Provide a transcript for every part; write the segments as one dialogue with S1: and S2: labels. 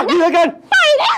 S1: ดีเหลือเกิน
S2: ไปนะ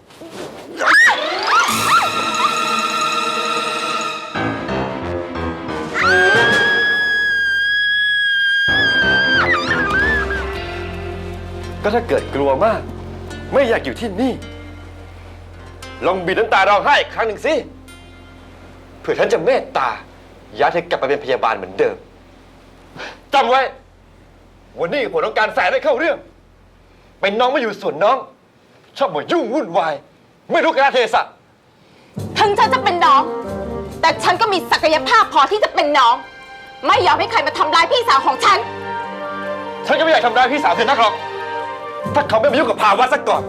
S1: ก็ถ้าเกิดกลัวมากไม่อยากอยู่ที่นี่ลองบีบน้ำตาร้องไห้อีกครั้งหนึ่งสิเผื่อฉันจะเมตตาย้ายเธอกลับไปเป็นพยาบาลเหมือนเดิมจำไว้วันนี้ผมต้องการแสนให้เข้าเรื่องเป็นน้องไม่อยู่ส่วนน้องชอบมายุ่งวุ่นวายไม่รู้กาลเทศะ
S2: ถึงฉันจะเป็นน้องแต่ฉันก็มีศักยภาพพอที่จะเป็นน้องไม่ยอมให้ใครมาทำร้ายพี่สาวของฉัน
S1: ก็ไม่อยากทำร้ายพี่สาวเธอนักหรอกถ้าเขาไม่มายุ่งกับภาวะซะก่อน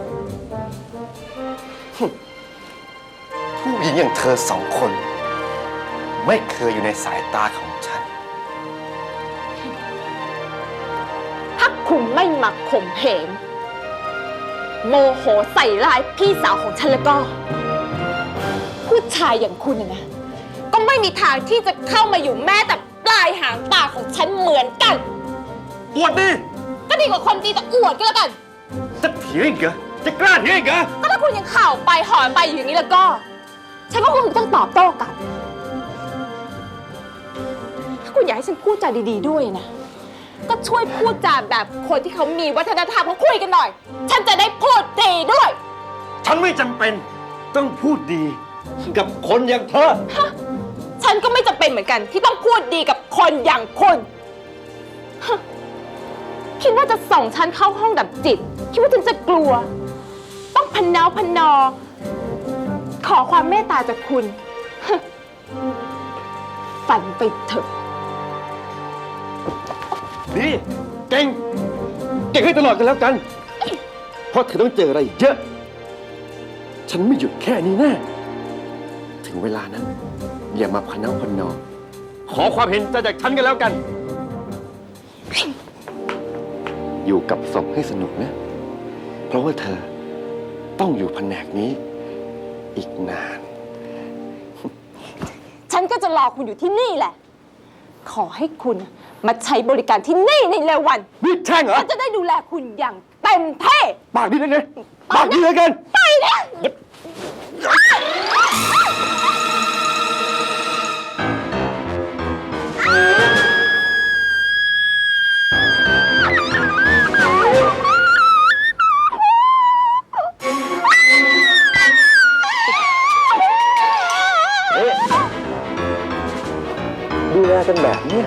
S1: ผู้หญิงอย่างเธอสองคนไม่เคยอยู่ในสายตาของฉัน
S2: ถ้าคุณไม่มาข่มเหงโมโหใส่ร้ายพี่สาวของฉันแล้วก็ผู้ชายอย่างคุณนะก็ไม่มีทางที่จะเข้ามาอยู่แม้แต่ปลายหางตาของฉันเหมือนกัน
S1: อวดดิ
S2: ก็ดีกว่าคนดีแต่อวดก็แล้วกัน
S1: จะเถียงอีกเหรอจะกล้าเถียงอีกเหรอ
S2: ก็ถ้าคุณยังข่าวไปหอนไปอย่างนี้แล้วก็ฉันก็คงต้องตอบโต้กันถ้าคุณอยากให้ฉันพูดจาดีๆด้วยนะก็ช่วยพูดจาแบบคนที่เขามีวัฒนธรรมเขาคุยกันหน่อยฉันจะได้พูดดีด้วย
S1: ฉันไม่จำเป็นต้องพูดดีกับคนอย่างเธอ
S2: ฉันก็ไม่จำเป็นเหมือนกันที่ต้องพูดดีกับคนอย่างคุณคิดว่าจะส่งฉันเข้าห้องดับจิตคิดว่าฉันจะกลัวต้องพนอขอความเมตตาจากคุณฝันไปเถอะ
S1: ดีเก่งให้ตลอดกันแล้วกันเพราะเธอต้องเจออะไรเยอะฉันไม่หยุดแค่นี้แน่ถึงเวลานั้นอย่ามาพนอขอความเห็นใจจากฉันกันแล้วกันอยู่กับศพให้สนุกนะเพราะว่าเธอต้องอยู่แผนกนี้อีกนาน
S2: ฉันก็จะรอคุณอยู่ที่นี่แหละขอให้คุณมาใช้บริการที่นี่ในเร็ววัน
S1: นี่แช่งเหรอ
S2: ฉันจะได้ดูแลคุณอย่างเต็มที่
S1: ปากดีเลยไงปากดีเลยกัน
S2: ไปนะ
S1: ดูแลกันแบบนี้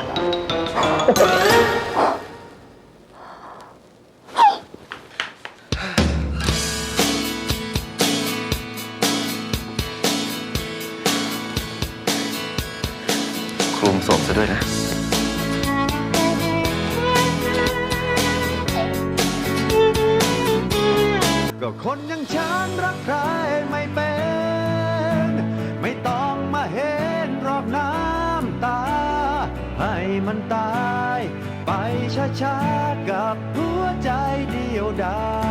S1: คลุมศพซะด้วยนะ
S3: ก็คนอย่างฉันรักใครไม่เป็นไม่ต้องมาเห็นรอบน้ำตาให้มันตายไปช้าๆกับหัวใจเดียวดาย